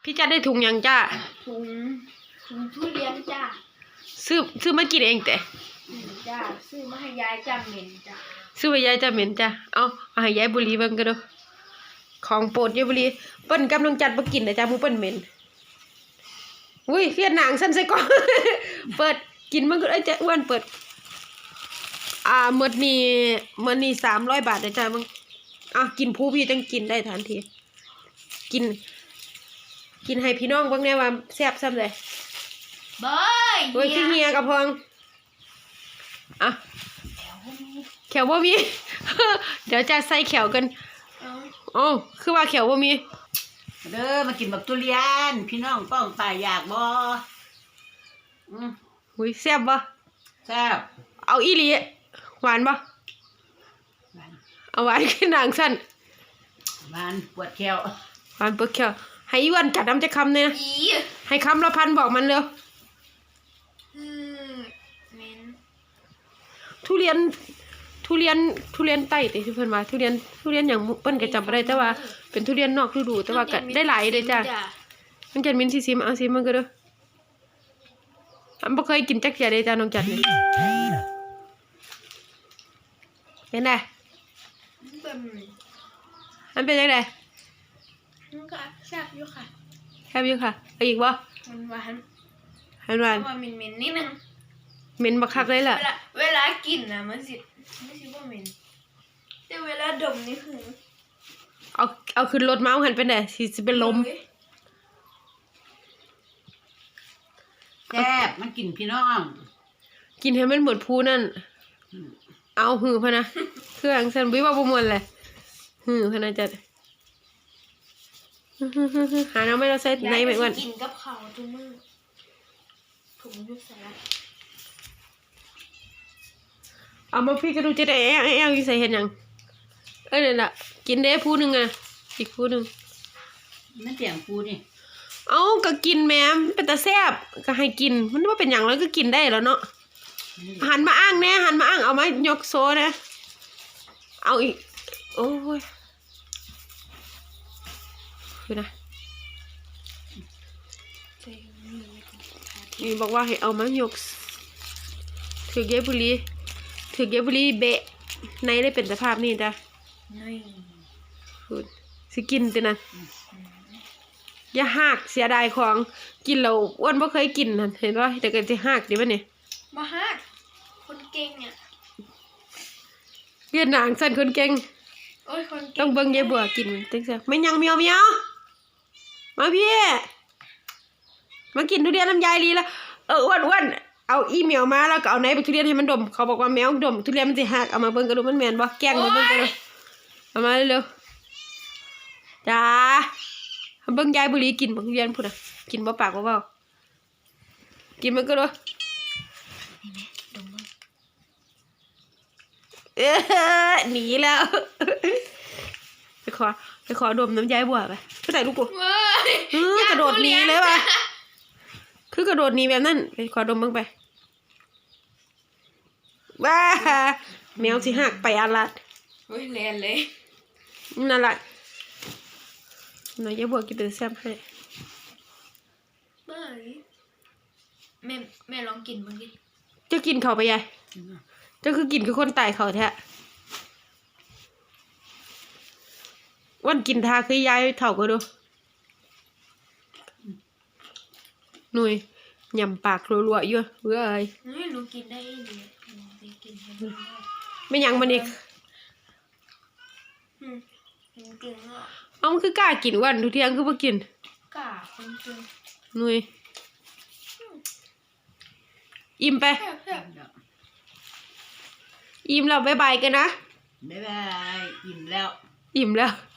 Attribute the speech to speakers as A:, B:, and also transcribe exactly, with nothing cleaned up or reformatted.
A: พี่จัดได้ถุงยังจ้า
B: ถุงถุงทุเรียนจ้า
A: ซื้อซื้อมากินเองแต่
B: จ้าซื้อมาให้ยายจ้าเหม็นจ้า
A: ซื้อไปยายจะเหม็นจ้าเอาเอาให้ยายบุรีเบิ่งกันดูของโปรดยายบุรีเปิ้นกำลังจัดมากินนะจ้ามูเปิ้นเหม็นอุ้ยเลียดหนังสั้นใส่ก่อน เปิดกินมันก็ไอ้เจ้าอ้วนเปิดอ่าหมดนี่หมดนี่สามร้อยบาทนะจ้ามึงอ่ะกินผู้พี่ต้องกินได้ทันทีกินกินให้พี่น้องเบิ่งแน่ว่าแซ่บซ้ำเลย
B: เบ้ย
A: โอ้ยขี้เหียกับพองอ่ะแขวบ่มี เดี๋ยวจะใส่แขวกันอ๋อคือว่าแขวบ่มี
C: เด้อมากินแบบทุเรียนพี่น้องป้องตายอยากบ่อืม
A: อุ้ยแซ่บบ่
C: แซ่บ
A: เอาอีหลีหวานบ่เอาหวานขึ้นหนังสั้น
C: หวานปวดแขว
A: หวานปวดแขวให้อ้วนกัดน้ำจะคำเนี่ยนะให้คำละพันบอกมันเร็วทุเรียนทุเรียนทุเรียนไต้ติที่เพิ่นว่าทุเรียนทุเรียนอย่างเปิ้นก็จำบ่ได้แต่ว่าเป็นทุเรียนนอกฤดูแต่ว่าก็ได้หลายเลยจ้ะน้องจันมินสิซิมเอาซิมมันก็เด้ออันบ่เคยกินจักเที่ยเลยจ้ะน้องจันนี่เห็นได้มันเป็นจังได๋
B: มันก็แซ่บอยู่ค่ะ
A: แซ่บอยู่ค่ะเอาอีกบ่
B: มันหวาน
A: มันหวาน
B: มันเหม็นๆนิดนึง
A: เหม็นบักคักเลยล่ะ
B: เวลาเวลากินนะมันสิไม่ใช่ว่าเหม็นแต่เวลาดมนี่คือ
A: เอาเอาขึ้นรถเมาส์หันไปไหนสิสิเป็นลม
C: แซ่บมันกินพี่น้อง
A: กินให้มันหมดพูนั่นเอาหือพะนะเครื่องฉันวิว่าบ่มวนเลยหือพะนะจัดหาน้ำไม่เราใส่ในไหมอ้วน
B: กินกับข้าวทุกมื้อผมยุบใส่ละ
A: เอามาพี่ก็ดูจะได้แอลแอลอยู่ใส่เห็นยังเอ้ยเนี่ยแหละกินได้ผู้หนึ่งอ่ะอีกผู้หนึ่ง
C: มันเสียงกูนี่
A: เอาก็กินแม่เป็นตาแซ่บก็ให้กินมันว่าเป็นอย่างแล้วก็กินได้แล้วเนาะหันมาอ้างแน่หันมาอ้างเอามายกโซ่นะเอาอีกโอ้ยคือนะนี่บอกว่าให้เอามายกถือเยบุรีถือเยบุรีเบะในได้เป็นสภาพนี่จ้ะคุณสิกินตินะอย่าหักเสียดายของกินเราอ้วนบ่เคยกินนั่นเห็นป่ะแต่ก็จะหักดิบ่เนี่ย
B: บ่หักคนเก่งเนี่ย
A: เรียนหนังสั่นคนเก่ง
B: โอ้ยคน
A: ต้องเบิ่งยายบัวกินจังซี่ไม่ยังเมียวเมียวมาพี่มากินทุเรียนน้ำยายลีแล้วเอออ้วนอ้วนเอาอีเมลมาแล้วก็เอาไหนไปทุเรียนให้มันดมเขาบอกว่าแมวดมทุเรียนมันจะหักเอามาเบิ่งกันดูมันแม่นบ่แกล้งมาเบิ่งกันดูเอามาเร็วๆจ้าเบิ่งยายบุรีกินบ่ทุเรียนพุ่นน่ะกินบ่ปากบ่เว้ากินมันก็ดูเอ๊ะหนีแล้วไปขอไปขอดมน้ำยายบัวไปไปไหนลูกกูเออกระโดดหนีเลยว่ะคือกระโดดหนีแบบนั้นไปขอดมบ้างไปว้าแมวสิหักไปอาลัด
B: โอ้ยแลนเลย
A: นั่นแหละหน่อยยายบัวกินเป็นแซ่บให้
B: เบ้ยแม่แม่ลองกินบ้างดิ
A: จะกินเขาไปยายจะคือกินคือคนตายเขาแท้วันกินทาคือยายเถ่าก็ดูหนุ่ยยำปากรัวๆอยู่เว้ย
B: หนูกินได้ดีกิน
A: ไม่ยังมันอีกเอามันคือกล้ากินวันทุกเที่ยงคือบ่กิน
B: กล้าคนกิน
A: หนุ่ยอิ่มไปอิ่มแล้วบ๊ายบายกันนะ
C: บ๊ายบายอิ่มแล้ว
A: อิ่มแล้ว